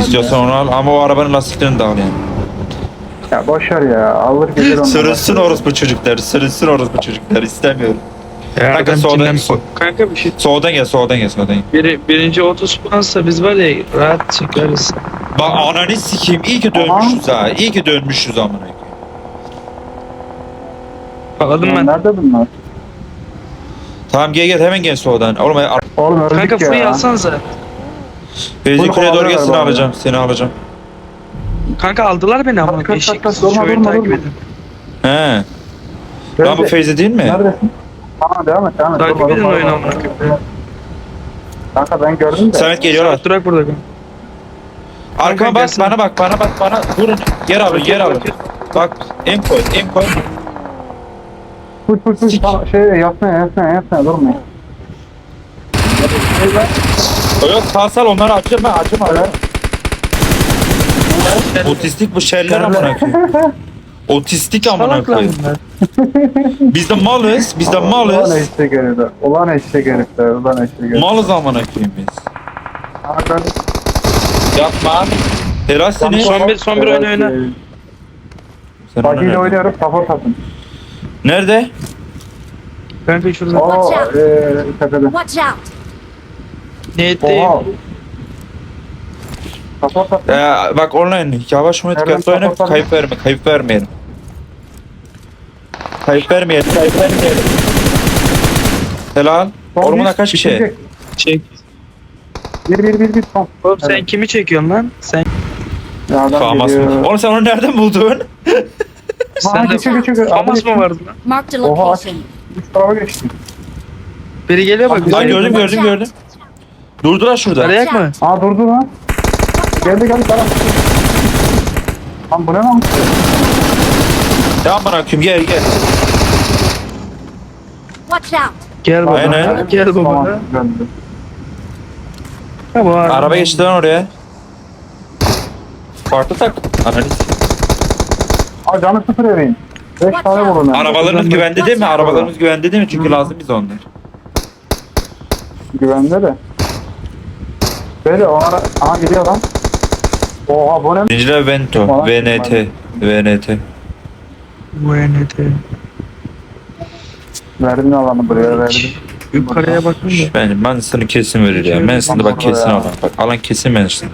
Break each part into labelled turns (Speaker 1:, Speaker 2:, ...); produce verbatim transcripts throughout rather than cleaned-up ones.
Speaker 1: İstiyorsan onu al ama o arabanın lastiklerini de al yani.
Speaker 2: Ya boşver ya. Alır gelir ondan.
Speaker 1: Sürünsün orospu çocuklar, sürünsün orospu çocuklar istemiyorum.
Speaker 3: Ya
Speaker 1: Kanka
Speaker 3: adam
Speaker 1: soldan,
Speaker 3: içinden-
Speaker 1: so-
Speaker 3: Kanka bir şey.
Speaker 1: soldan gel, soldan gel, soldan gel.
Speaker 3: Biri, birinci otuz puansa biz var ya rahat çıkarız.
Speaker 1: Bak ananı sikeyim, iyi ki dönmüşüz ha, iyi ki dönmüşüz amına koyayım.
Speaker 3: Bağladım
Speaker 2: Lan
Speaker 3: ben.
Speaker 2: nerede bunlar?
Speaker 1: Tamam gel gel hemen gel soldan. Oğlum ar-
Speaker 2: Oğlum öldük
Speaker 3: Kanka
Speaker 2: ya.
Speaker 3: free alsanıza.
Speaker 1: Feyzi
Speaker 2: Bunu
Speaker 1: kuleye doğru
Speaker 2: kovalıyorlar
Speaker 1: gel, seni
Speaker 2: bu arada.
Speaker 1: alacağım, seni alacağım.
Speaker 3: Kanka aldılar beni ama
Speaker 2: Kaç, kaç,
Speaker 3: eşek.
Speaker 2: kaç, durma,
Speaker 3: Şöyle
Speaker 2: durma,
Speaker 3: takip
Speaker 2: durma.
Speaker 3: edin.
Speaker 1: He.
Speaker 2: Nerede?
Speaker 1: Lan bu Feyzi değil mi?
Speaker 2: Neredesin? Tamam devam et devam et.
Speaker 3: Takip
Speaker 2: Durma,
Speaker 3: edin
Speaker 2: durma,
Speaker 3: oyunu
Speaker 2: durma.
Speaker 3: amına koyayım.
Speaker 2: Kanka ben gördüm de.
Speaker 1: Samet geliyorlar.
Speaker 3: Samet durak burada.
Speaker 1: Arkama bak,
Speaker 3: gelsin.
Speaker 1: bana bak, bana bak, bana. Vurun, yer alın, yer alın. Bak, en koy, en koy.
Speaker 2: Full full full.
Speaker 1: Sik.
Speaker 2: Tamam, şey yapsana yapsana yapsana durma.
Speaker 1: Yok, sağ sal onları açacağım ben, açacağım abi. Otistik bu şeyler amına koyayım. Otistik amına
Speaker 3: Salak lan
Speaker 1: koyayım.
Speaker 3: bunlar.
Speaker 1: Biz de malız, biz de
Speaker 2: Ulan
Speaker 1: malız.
Speaker 2: eşek herifler. Ulan eşek herifler. Ulan eşek herifler.
Speaker 1: Malız amına koyayım biz.
Speaker 2: Aa, ben-
Speaker 1: Yapma. Helal seni.
Speaker 3: Son bir, son bir oyun oyna.
Speaker 1: Sen ona
Speaker 2: Bagiyle
Speaker 1: nerede?
Speaker 2: oynuyorum. Support atın.
Speaker 1: Nerede?
Speaker 3: Kanka şurada.
Speaker 2: Oo eee tepede.
Speaker 4: Watch out!
Speaker 3: Niyetteyim.
Speaker 2: Oha. Support atın.
Speaker 1: Ee, bak online yavaş oyna,
Speaker 2: Nereden
Speaker 1: dikkatli oyna,
Speaker 2: kapatalım?
Speaker 1: kayıp verme, kayıp vermeyelim. Kayıp vermeyelim, kayıp vermeyelim. Helal.
Speaker 2: Son
Speaker 1: Ormana
Speaker 2: bir,
Speaker 1: kaç kişi?
Speaker 2: bitirecek.
Speaker 3: Çek.
Speaker 2: Bir bir bir bir son.
Speaker 3: Oğlum sen
Speaker 2: Evet.
Speaker 3: kimi çekiyorsun lan? Sen
Speaker 2: Ya adam
Speaker 1: Famas mı?
Speaker 2: geliyor.
Speaker 1: Oğlum sen onu nereden buldun?
Speaker 3: sen de
Speaker 2: geçiyor, geçiyor.
Speaker 3: Famas mı vardı lan?
Speaker 4: Marked a
Speaker 2: Oha aç.
Speaker 4: location.
Speaker 2: Üç tarafa geçtim.
Speaker 3: Biri geliyor bak.
Speaker 1: Lan
Speaker 3: bize.
Speaker 1: gördüm gördüm gördüm. Durdular şurada.
Speaker 3: Arayak mı?
Speaker 2: Aa durdu lan. Geldi geldi tamam. Lan bu ne lan?
Speaker 1: Ya bırakayım gel gel.
Speaker 4: Watch out!
Speaker 3: Gel baba.
Speaker 1: Aynen.
Speaker 3: Gel baba.
Speaker 2: Tamam, döndü.
Speaker 3: Tamam.
Speaker 1: Araba geçti lan oraya. Farklı tak. Analiz.
Speaker 2: Aa canı sıfır evin. Beş tane vurun. yani.
Speaker 1: Arabalarımız güvende değil mi? Arabalarımız güvende değil mi? Çünkü lazım biz onlar.
Speaker 2: Güvende de. Böyle o ara... Aha gidiyor lan. Oha bu ne?
Speaker 1: Zincirler Vento.
Speaker 2: Falan.
Speaker 1: V N T. V N T.
Speaker 3: Bu N T.
Speaker 2: Verdim alanı buraya verdim.
Speaker 3: Yukarıya bakın da.
Speaker 1: Ben Manson'ı kesin verir ya. Manson'da bak kesin alan. Bak alan kesin Manson.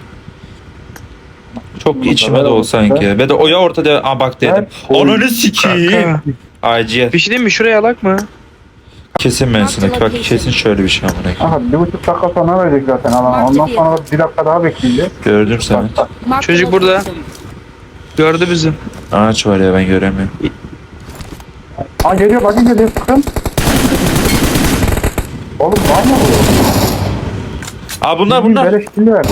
Speaker 1: Çok içime de o sanki. Ve de oya ortada. Aa bak dedim.
Speaker 2: Evet.
Speaker 1: Ananı sikiyim.
Speaker 3: Kanka.
Speaker 1: Acil.
Speaker 3: Bir şey diyeyim mi? Şuraya alak mı?
Speaker 1: Kesin Manson'daki. Bak kesin şöyle bir şey amına koyayım.
Speaker 2: Aha bir buçuk dakika sonra verecek zaten alanı. Ondan sonra bir dakika daha bekleyeceğiz.
Speaker 1: Gördüm seni.
Speaker 4: Marked a
Speaker 3: Çocuk burada.
Speaker 4: location.
Speaker 3: Gördü bizi.
Speaker 1: Ağaç var ya ben göremiyorum.
Speaker 2: Aa geliyor bakın geliyor sıkın. Oğlum var mı bu?
Speaker 1: Aa bunlar bunlar.
Speaker 2: Beleş killer.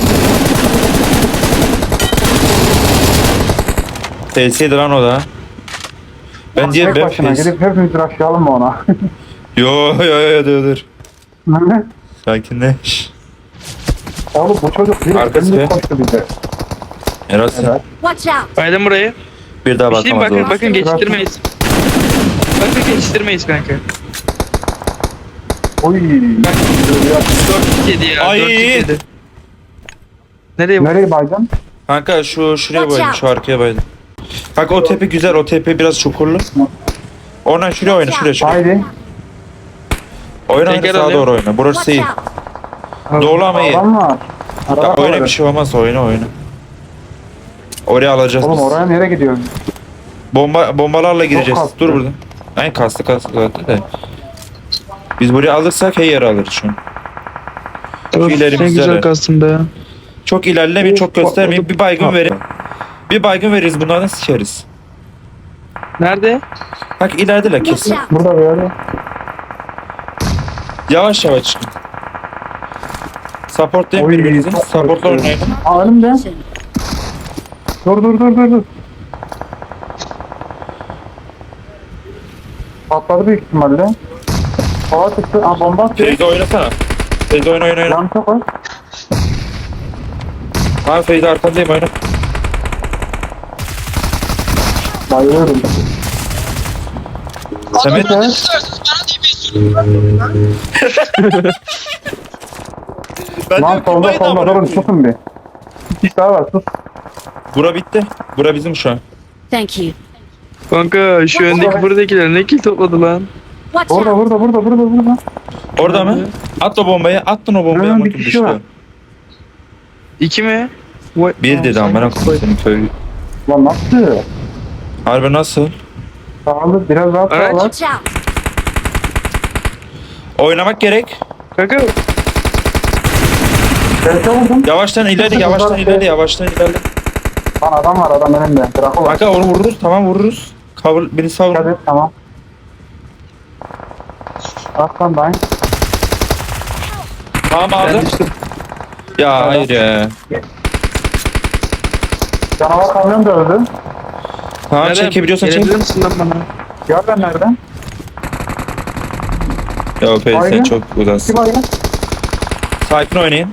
Speaker 1: T S'ydi lan o da. Ben diye
Speaker 2: Tek
Speaker 1: ben
Speaker 2: başına
Speaker 1: face.
Speaker 2: gidip hepimiz rushlayalım mı ona?
Speaker 1: Yo yo yo dur dur. Sakinleş.
Speaker 2: Oğlum bu çocuk bir
Speaker 1: Arkası
Speaker 2: şimdi
Speaker 1: be.
Speaker 2: koştu bize.
Speaker 1: Erasın.
Speaker 2: Evet.
Speaker 4: Watch out!
Speaker 3: Baydım burayı.
Speaker 1: Bir daha
Speaker 3: Bir şey diyeyim
Speaker 1: bakamaz
Speaker 3: bakın
Speaker 1: orada.
Speaker 3: bakın geçiştirmeyiz. Bakın geçiştirmeyiz kanka.
Speaker 2: Oy.
Speaker 3: dört yedi ya.
Speaker 1: Ay.
Speaker 3: dört yedi. Nereye bak?
Speaker 2: Nereye baydın?
Speaker 1: Kanka şu şuraya
Speaker 4: Watch
Speaker 1: baydım,
Speaker 4: out.
Speaker 1: şu arkaya baydım. Kanka o tepe güzel, o tepe biraz çukurlu. Oradan şuraya oyna, şuraya şuraya.
Speaker 2: Haydi.
Speaker 1: Oyna oyna
Speaker 3: Teker
Speaker 1: sağa
Speaker 3: alayım.
Speaker 1: doğru oyna. Burası
Speaker 4: Watch
Speaker 1: iyi.
Speaker 4: out!
Speaker 1: Doğru ama iyi.
Speaker 2: Adam var.
Speaker 1: Ya
Speaker 2: Araba
Speaker 1: oyna
Speaker 2: var.
Speaker 1: bir şey olmaz, oyna oyna. Oraya alacağız
Speaker 2: Oğlum
Speaker 1: biz.
Speaker 2: oraya nereye gidiyoruz?
Speaker 1: Bomba bombalarla gireceğiz.
Speaker 2: kastı.
Speaker 1: Dur burada. Aynen kastı kastı zaten de. Biz buraya alırsak her yere alırız şu an.
Speaker 3: Of,
Speaker 1: ileri
Speaker 3: ne
Speaker 1: güzel
Speaker 3: güzel
Speaker 1: ya.
Speaker 3: kastım be.
Speaker 1: Çok ilerlemeyin, çok göstermeyin. Bir baygın
Speaker 2: Patladı.
Speaker 1: verin. Bir baygın veririz, bunlardan sikeriz.
Speaker 3: Nerede?
Speaker 1: Bak ilerideler
Speaker 4: Watch
Speaker 1: kesin.
Speaker 4: out!
Speaker 2: Burada böyle.
Speaker 1: Yavaş yavaş çıkın. Supportlayın
Speaker 2: Oy,
Speaker 1: birbirinizi.
Speaker 2: çok
Speaker 1: Supportla
Speaker 2: korkuyorum.
Speaker 1: oynayın.
Speaker 2: Aa önümde. Dur dur dur dur dur. Patladı büyük ihtimalle. Hava çıktı. Aa bomba atıyor.
Speaker 1: Feyzi oynasana. Feyzi oyna oyna oyna.
Speaker 2: Yan çok az.
Speaker 1: Abi Feyzi arkandayım oyna.
Speaker 2: Bayılıyorum.
Speaker 1: Samet. Ben
Speaker 2: Lan solda solda durun tutun bir. kişi daha var sus.
Speaker 1: Bura bitti. Bura bizim şu an.
Speaker 4: Thank you.
Speaker 3: Kanka şu öndeki buradakiler ne kill topladı lan?
Speaker 4: Watch
Speaker 2: Burada
Speaker 4: out.
Speaker 2: burada burada burada burada.
Speaker 1: Orada mı? At o bombayı. Attın o bombayı
Speaker 2: Hemen
Speaker 1: ama
Speaker 2: bir
Speaker 1: kim
Speaker 2: kişi
Speaker 1: düştü?
Speaker 2: var.
Speaker 3: İki mi? Vay-
Speaker 1: Bir
Speaker 3: Aa,
Speaker 1: dedi
Speaker 3: sanki
Speaker 1: amına koyayım senin köylü.
Speaker 2: Lan nasıl?
Speaker 1: Harbi nasıl?
Speaker 2: Sağlı biraz daha
Speaker 3: Araç.
Speaker 2: sağlı.
Speaker 4: Watch out.
Speaker 1: Oynamak gerek.
Speaker 3: Kanka
Speaker 2: Gerçe vurdum.
Speaker 1: Yavaştan ileri, yavaştan ileri, yavaştan ileri.
Speaker 2: Lan adam var adam önümde. Draco var.
Speaker 1: Kanka onu vururuz, tamam vururuz. Cover, beni savur.
Speaker 2: Hadi tamam. Aslan ben.
Speaker 1: Tamam
Speaker 3: ben
Speaker 1: aldım.
Speaker 3: düştüm.
Speaker 1: Ya hayır ya.
Speaker 2: Canavar kamyon da öldü.
Speaker 1: Tamam
Speaker 3: Nereden?
Speaker 1: çekebiliyorsan çek.
Speaker 3: Gelebilir misin lan bana?
Speaker 2: Gördün nereden?
Speaker 1: Ya Peri sen
Speaker 2: Aynen.
Speaker 1: çok uzaksın.
Speaker 2: Kim ayı?
Speaker 1: Sakin oynayın.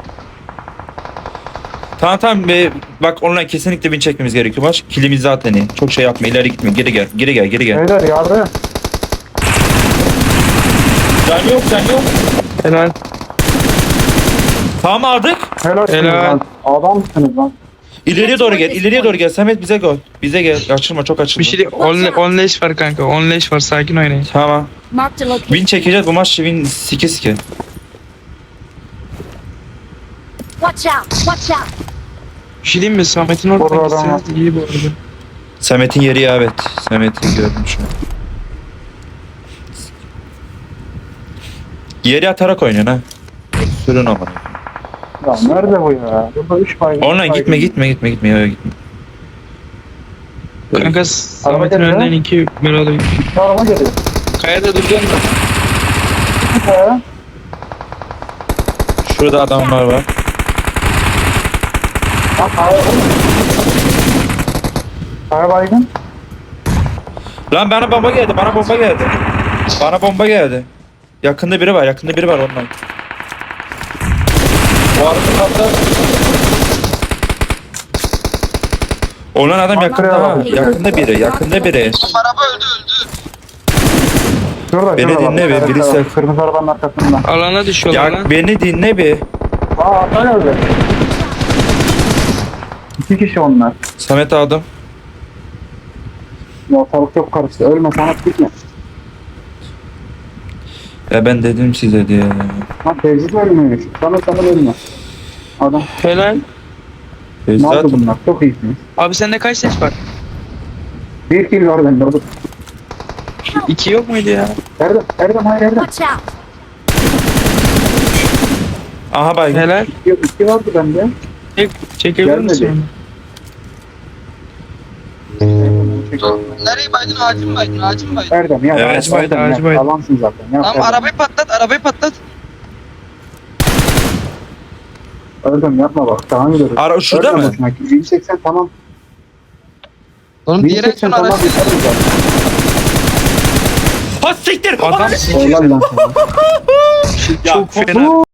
Speaker 1: Tamam tamam be, bak onunla kesinlikle win çekmemiz gerekiyor. Maç kilimiz zaten iyi. Çok şey yapma, ileri gitme. Geri gel, geri gel, geri gel.
Speaker 2: Beyler yardım.
Speaker 1: Can yok, can yok.
Speaker 3: Helal.
Speaker 1: Tamam aldık.
Speaker 2: Helal.
Speaker 3: Helal.
Speaker 2: Lan. Adamsınız lan.
Speaker 1: İleriye doğru gel, ileriye doğru gel. Samet bize gel. Bize gel. Açılma, çok açılma.
Speaker 3: Bir şey değil. On, on leş var kanka. On leş var. Sakin oynayın.
Speaker 1: Tamam.
Speaker 4: Marked a location.
Speaker 1: Win çekeceğiz bu maç, win sike sike.
Speaker 4: Watch out. Watch out.
Speaker 3: Bir şey diyeyim mi? Samet'in
Speaker 2: Orada
Speaker 3: oradan
Speaker 2: adam var.
Speaker 3: gitseniz iyi bu arada.
Speaker 1: Samet'in yeri ya, evet. Samet'i gördüm şu an. Yeri atarak oynuyorsun ha. Sürün ama.
Speaker 2: Ya nerede bu ya? Burada üç baygın.
Speaker 1: Onunla
Speaker 2: üç
Speaker 1: gitme
Speaker 2: baygın.
Speaker 1: gitme gitme gitme ya gitme.
Speaker 3: Kanka Samet'in
Speaker 2: geldi
Speaker 3: önünden
Speaker 2: ha?
Speaker 3: iki Meral'ı bir.
Speaker 2: Şu araba geliyor.
Speaker 3: Kayada durdun mu?
Speaker 2: He.
Speaker 1: Şurada adamlar var.
Speaker 2: Bak kaya. Kaya baygın.
Speaker 1: Lan bana bomba geldi, bana bomba geldi. Bana bomba geldi. Yakında biri var, yakında biri var ondan. Bu arada olan adam yakında ha. Yakında biri, yakında biri.
Speaker 2: Şurada
Speaker 1: Beni
Speaker 2: şurada.
Speaker 1: dinle
Speaker 2: bak.
Speaker 1: be, birisi-
Speaker 2: Kırmızı- Kırmızı arabanın arkasında.
Speaker 3: Alana düşüyorlar
Speaker 1: Ya
Speaker 3: lan.
Speaker 1: beni dinle bir.
Speaker 2: Aa ata geldi. İki kişi onlar.
Speaker 1: Samet aldım.
Speaker 2: Ya ortalık çok karıştı. Ölme sanat gitme.
Speaker 1: Ya ben dedim size diye.
Speaker 2: Ha tevzit ölmüyor. Sana sana ölme. Adam.
Speaker 3: Helal.
Speaker 1: E,
Speaker 2: Ne oldu
Speaker 1: zaten
Speaker 2: bunlar? Çok iyisiniz.
Speaker 3: Abi sende kaç leş var?
Speaker 2: Bir kill var bende. Orada.
Speaker 3: İki yok muydu ya?
Speaker 2: Erdem. Erdem hayır Erdem.
Speaker 4: Watch out.
Speaker 1: aha baygın.
Speaker 3: Helal.
Speaker 2: İki, iki vardı bende.
Speaker 3: Çek, çekebilir
Speaker 2: Gelmedi.
Speaker 3: misin?
Speaker 5: Nereye baydın? Ağacı mı baydın? Ağacı mı baydın?
Speaker 2: Erdem ya.
Speaker 1: Evet,
Speaker 2: Erdem,
Speaker 3: baydı,
Speaker 2: Erdem,
Speaker 3: ağacı
Speaker 2: ya.
Speaker 3: baydı.
Speaker 2: Alansın zaten. Ya,
Speaker 5: Tamam
Speaker 2: Erdem.
Speaker 5: arabayı patlat, arabayı patlat.
Speaker 2: Erdem yapma bak. Daha gidiyoruz.
Speaker 1: Ara şurada
Speaker 2: Erdem
Speaker 1: mı?
Speaker 2: hoşuna gitti. bin seksen tamam.
Speaker 5: Oğlum diğer
Speaker 2: bin seksen
Speaker 5: açın
Speaker 2: tamam.
Speaker 5: araç.
Speaker 2: Yeter zaten.
Speaker 1: Ha siktir.
Speaker 3: Adam
Speaker 2: Helal lan sana.
Speaker 1: Ya,
Speaker 3: çok fena.